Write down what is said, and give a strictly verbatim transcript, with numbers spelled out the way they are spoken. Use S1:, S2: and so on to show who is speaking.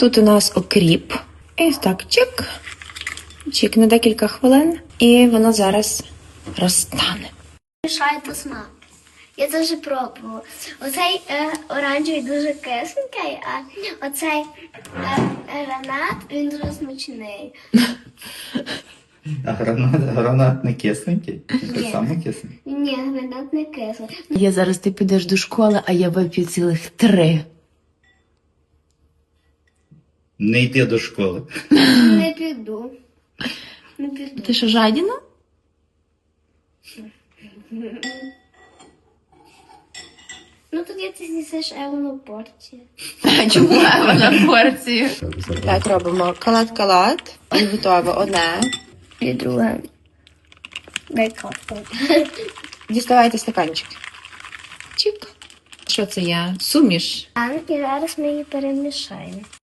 S1: Тут у нас окріп. І ось так, чик, чик на декілька хвилин. І воно зараз розтане.
S2: Мішаєте смак. Я це вже пробувала. Оцей е, оранжевий дуже кисленький, а оцей е, гранат, він дуже смачний.
S3: А гранат, гранат не кисленький?
S2: Ні.
S3: Так само кисленький?
S2: Ні, гранат не кислий.
S4: Я зараз ти підеш до школи, а я вип'ю цілих три.
S3: Не йди до школи.
S2: Не піду. Не піду.
S4: Ти що, жадіна?
S2: Ну тоді ти з'їсиш Евану порцію.
S4: Чому на порцію?
S1: Так, робимо калат-калат. І готове одне.
S2: І друге. Дай карту.
S1: Діставайте стаканчик. Чик. Що це я? Суміш?
S2: А і зараз ми її перемішаємо.